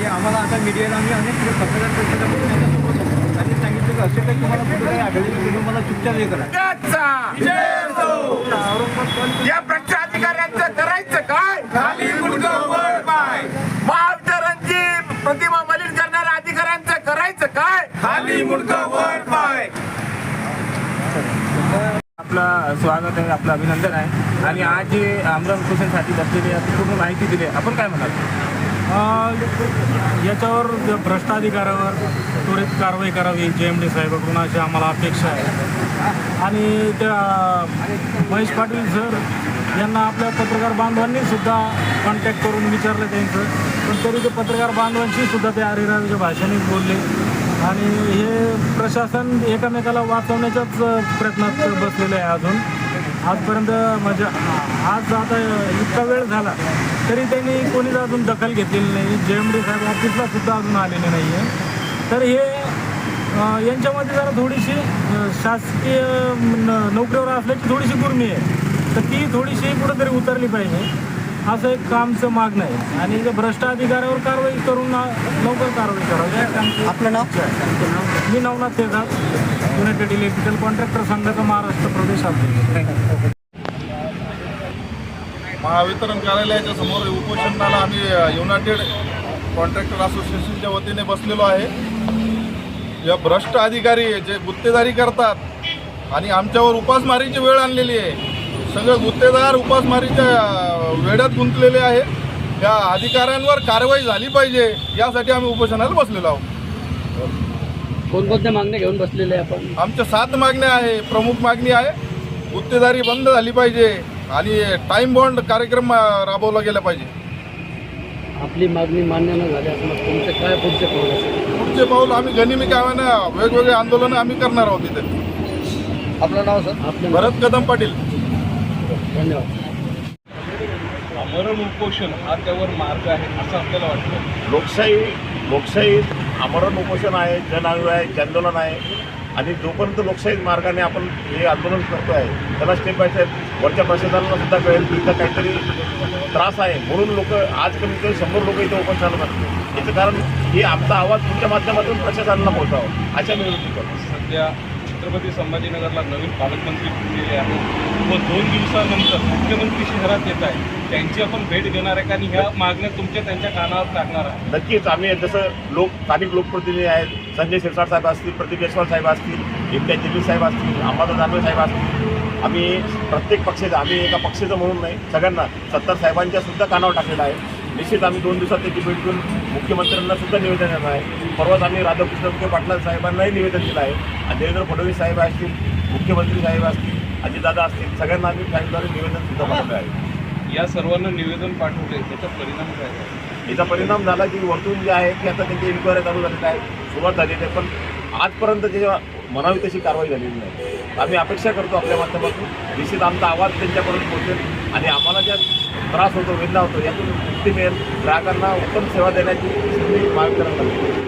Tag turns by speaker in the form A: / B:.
A: आम्हाला आता मीडियाला आम्ही अनेक पत्रकार परिषदा करून त्यांच्यासोबत होतो. त्यांनी सांगितलं की असे काही तुम्हाला कुठे काही आढळले की तुम्ही मला चुपचाप हे करा.
B: या भ्रष्ट अधिकाऱ्यांचं करायचं काय? खाली मुलगा वर पाय. महावितरणची प्रतिमा मलिन करणाऱ्या अधिकाऱ्यांचं करायचं काय? खाली मुलगा वर पाय.
C: आपलं स्वागत आहे, आपलं अभिनंदन आहे. आणि आज जे आमरण उपोषणासाठी बसलेले पूर्ण माहिती दिली, आपण काय म्हणाल?
D: याच्यावर भ्रष्ट अधिकाऱ्यावर त्वरित कारवाई करावी JMD साहेबांकडून अशी आम्हाला अपेक्षा आहे. आणि त्या महेश पाटील सर यांना आपल्या पत्रकार बांधवांनी सुद्धा कॉन्टॅक्ट करून विचारलं त्यांचं, पण तरी ते पत्रकार बांधवांशी सुद्धा ते अरेरावीच्या भाषेनेच बोलले. आणि हे प्रशासन एकमेकाला वाचवण्याच्याच प्रयत्नात बसलेलं आहे. अजून आजपर्यंत म्हणजे आज आता इतका वेळ झाला तरी त्यांनी कोणीच अजून दखल घेतलेली नाही. JMD साहेब ऑफिसला सुद्धा अजून आलेले नाही आहे. तर हे यांच्यामध्ये जरा थोडीशी शासकीय नोकरीवर असल्याची थोडीशी गुर्मी आहे, तर ती थोडीशी कुठंतरी उतरली पाहिजे असं एक कामचं मागणं आहे. आणि जे भ्रष्ट अधिकाऱ्यावर कारवाई करून लवकर कारवाई करावी.
A: आपलं नाव?
D: मी नवनाथ तेजाब, युनायटेड इलेक्ट्रिकल कॉन्ट्रॅक्टर संघाचा महाराष्ट्र प्रदेश अध्यक्ष.
E: महावितरण कार्यालयाच्या समोर उपोषणाला आम्ही युनायटेड कॉन्ट्रॅक्टर असोसिएशनच्या वतीने बसलेलो आहे. या भ्रष्ट अधिकारी जे गुत्तेदारी करतात आणि आमच्यावर उपासमारीची वेळ आणलेली आहे. सगळे गुत्तेदार उपासमारीच्या वेड्यात गुंतलेले आहे. या अधिकाऱ्यांवर कारवाई झाली पाहिजे यासाठी आम्ही उपोषणाला बसलेलो आहोत.
A: कोणकोणत्या मागण्या घेऊन बसलेले आपण?
E: आमच्या 7 मागण्या आहे. प्रमुख मागणी आहे गुत्तेदारी बंद झाली पाहिजे आणि टाईम बॉन्ड कार्यक्रम राबवला गेला पाहिजे.
A: आपली मागणी मान्य न झाल्यास मग तुमचे काय पुढचे पाऊल असेल?
E: पुढचे पाऊल आम्ही गनिमी कामानं वेगवेगळे आंदोलनं आम्ही करणार आहोत इथे.
A: आपलं नाव सर? आपलं
E: भरत कदम पाटील.
A: धन्यवाद.
F: आमरण उपोषण हा त्यावर मार्ग आहे असं आपल्याला वाटतं?
G: लोकशाहीत आमरण उपोषण आहे, जनआंदोलन आहे, जनआंदोलन आहे. आणि जोपर्यंत लोकशाही मार्गाने आपण हे आंदोलन करतो आहे त्याला स्टेप बाय स्टेप वरच्या प्रशासनाला सुद्धा कळेल की इथं काहीतरी त्रास आहे, म्हणून लोक आज कमी कमी 100 लोक इथं उपोषणाला बसले. याचं कारण हे आमचा आवाज तुमच्या माध्यमातून प्रशासनाला पोहोचावा अशा मी विनंती करतो.
F: सध्या छत्रपती संभाजीनगरला नवीन पालकमंत्री फुटलेले आहेत व 2 दिवसानंतर मुख्यमंत्री शहरात येत आहे. त्यांची आपण भेट घेणार आहे का आणि ह्या मागण्या तुमच्या त्यांच्या कानावर टाकणार आहे?
G: नक्कीच आम्ही जसं स्थानिक लोकप्रतिनिधी आहेत, संजय शिरसाट साहेब असतील, प्रदीप जयस्वाल साहेब असतील, इम्तियाज जलील साहेब असतील, अंबादास दानवे साहेब असतील, आम्ही प्रत्येक पक्षाचं, आम्ही एका पक्षाचं म्हणून नाही, सगळ्यांना 70 साहेबांच्या सुद्धा कानावर टाकलेलं आहे. निश्चित आम्ही 2 दिवसात त्याची भेट घेऊन मुख्यमंत्र्यांना सुद्धा निवेदन देणार आहे. परवाच आम्ही राधाकृष्ण विखे पाटील साहेबांनाही निवेदन दिलं आहे. आणि देवेंद्र फडणवीस साहेब असतील, मुख्यमंत्री साहेब असतील, अजितदादा असतील, सगळ्यांना आम्ही फाईलद्वारे निवेदन सुद्धा पाठवलं आहे.
F: या सर्वांना निवेदन पाठवले, त्याचा परिणाम काय आहे?
G: याचा परिणाम झाला की वरतून जे आहे की आता त्यांची इन्क्वायरी चालू झालेली आहे, सुरुवात झालेली आहे, पण आजपर्यंत त्याच्या म्हणावी तशी कारवाई झालेली नाही. आम्ही अपेक्षा करतो आपल्या माध्यमातून निश्चित आमचा आवाज त्यांच्यापर्यंत पोहोचेल आणि आम्हाला ज्या त्रास होतो, वेदना होतो, यातून मुक्ती मिळेल. ग्राहकांना उत्तम सेवा देण्याची संधी महावितरण करते.